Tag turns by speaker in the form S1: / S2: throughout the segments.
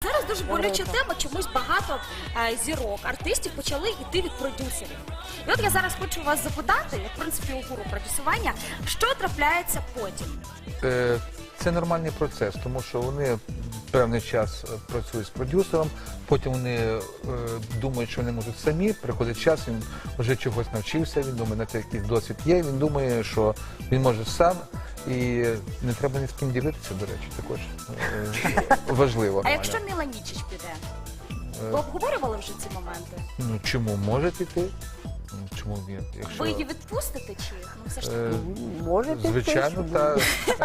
S1: Зараз дуже болюча тема, чомусь багато зірок, артистів почали йти від продюсерів. І от я зараз хочу вас запитати, як в принципі у гуру продюсування, що трапляється потім?
S2: Це нормальний процес, тому що вони певний час працюють з продюсером, потім вони думають, що вони можуть самі, приходить час, він вже чогось навчився, він думає, на те якийсь досвід є, він думає, що він може сам, і не треба ні з ким ділитися, до речі, також важливо.
S1: А якщо Міла Нічич піде? Ви обговорювали вже ці моменти?
S2: Ну, чому може піти? Чому ні? Якщо...
S1: Ви її відпустите чи? Ну, все ж таки.
S3: Може піти.
S2: Звичайно, та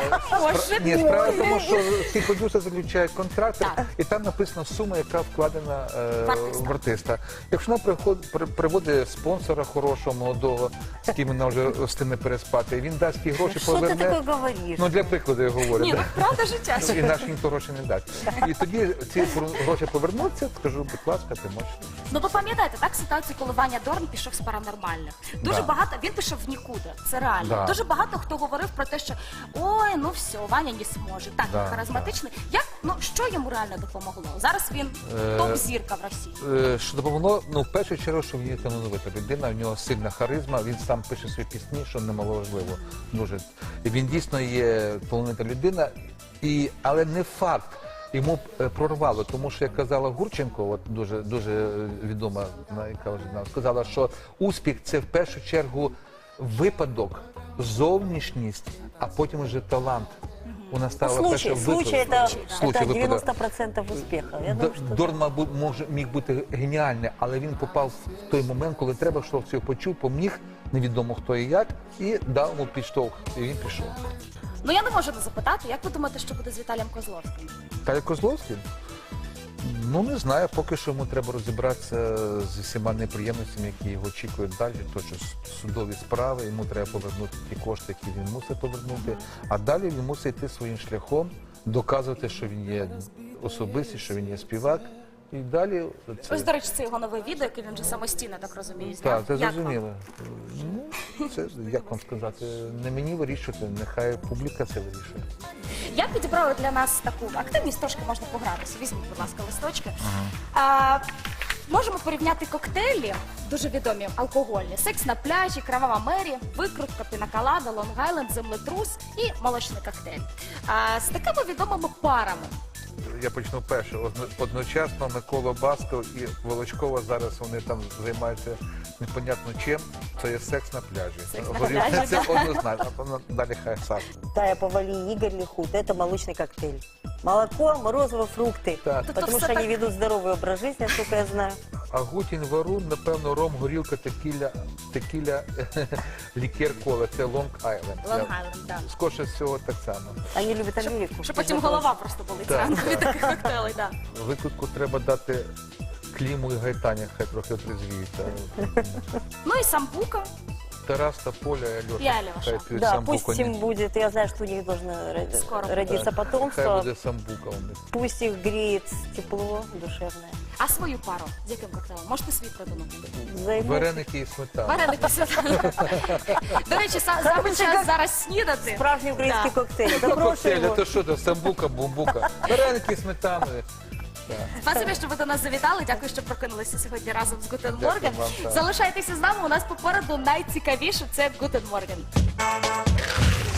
S2: ні, справа в тому, що всі продюсери заключають контракти, і там написана сума, яка вкладена в артиста. Якщо вона приводить спонсора хорошого, молодого, з ким вона вже встигне переспати, і він дасть ті гроші,
S3: Що ти
S2: поверне.
S3: таке говориш?
S2: Ну, для прикладу я говорю.
S1: Ні, ну правда життя.
S2: І наш ніхто гроші не дасть. І тоді ці гроші повернуться, скажу, будь ласка, ти можеш.
S1: Ну ви пам'ятаєте, так, ситуацію, коли Ваня Дорн пішов з паранормальних. Дуже
S2: Да.
S1: багато, він пішов в нікуди, це реально.
S2: Да.
S1: Дуже багато хто говорив про те, що ой, ну все, Ваня не зможе. Так,
S2: Да,
S1: він харизматичний. Як, ну, що йому реально допомогло? Зараз він топ-зірка в Росії.
S2: Що допомогло? Ну, в першу чергу, що він є талановита людина, в нього сильна харизма, він сам пише свої пісні, що немаловажливо. Дуже. І він дійсно є талановита людина, але не факт. Йому прорвало, тому що, як казала Гурченко, от дуже відома, яка вже нам сказала, що успіх – це в першу чергу випадок, зовнішність, а потім вже талант. Вона стала першим
S3: Случай
S2: випадком.
S3: это 90% успеха. Я думаю, что
S2: Дорн міг бути геніальний, але він попав в той момент, коли треба, що все почув, поміг, невідомо хто і як, і дав йому підштовх, і він пішов.
S1: Ну я не можу не запитати, як ви думаєте, що буде з Віталієм Козловським?
S2: Віталій Козловський? Ну, не знаю, поки що йому треба розібратися з усіма неприємностями, які його очікують далі, то що судові справи, йому треба повернути ті кошти, які він мусить повернути, а далі він мусить йти своїм шляхом, доказувати, що він є особистість, що він є співак, і далі...
S1: Ось, до речі, це його нове відео, яке він вже самостійно, так розумію, зняв.
S2: Так, це
S1: Як вам?
S2: зрозуміло. Ну, це, як вам сказати, не мені вирішувати, нехай публіка це вирішує.
S1: Я підібрала для нас таку активність, трошки можна погратися. Візьміть, будь ласка, листочки. Можемо порівняти коктейлі, дуже відомі, алкогольні. Секс на пляжі, Кровава Мері, викрутка, пінаколада, Лонг-Айленд, землетрус і молочний коктейль. З такими відомими парами.
S2: Я почну перше. Одночасно Микола Басков і Волочкова зараз вони там займаються непонятно чим. Це є секс на пляжі.
S1: Секс на пляжі,
S2: Це однозначно. Далі хай Саша.
S3: Тая Повали, Игорь Лихут, это молочный коктейль. Молоко, морозиво, фрукты.
S2: Так.
S1: Тут
S3: Потому
S1: все
S3: что
S1: так-
S3: они ведут здоровый образ жизни, насколько я знаю.
S2: Агутін, Варун, напевно, ром, горілка, текіля, лікер, кола. Це Лонг-Айленд.
S1: Лонг-Айленд, так.
S2: Скорше всього так само.
S3: Они любят Америку.
S1: Щоб потім голова просто болить
S2: Так,
S1: зранку
S2: так.
S1: від таких коктейлей, так.
S2: Викрутку треба дати Кліму і Гайтані, хай трохи отрезвіються.
S1: Ну і самбука.
S2: Тарас та Поля і
S1: І
S2: Альоша.
S1: Альоша.
S2: Хай п'ють
S3: Да,
S2: самбуку.
S3: пусть им будет, я знаю, что у них должно
S1: Скоро будет.
S3: родиться
S2: Хай
S3: потомство.
S2: буде самбука у них.
S3: Пусть их греет тепло душевное.
S1: А свою пару з яким коктейлем? Можете свій придумати?
S3: Займутся.
S2: Вареники і сметана.
S1: Вареники сюди. До речі, саме час зараз снідати.
S3: Справжний украинский
S1: Да.
S3: коктейль.
S2: Ну,
S3: Добро
S2: коктейль,
S3: его.
S2: це що це? Самбука, бумбука. Вареники з сметаною. Так.
S1: Спасибі, що ви до нас завітали. Дякую, що прокинулися сьогодні разом з Гутен
S2: Дякую
S1: Морген.
S2: вам, так.
S1: Залишайтеся з нами. У нас попереду найцікавіше – це Гутен Морген.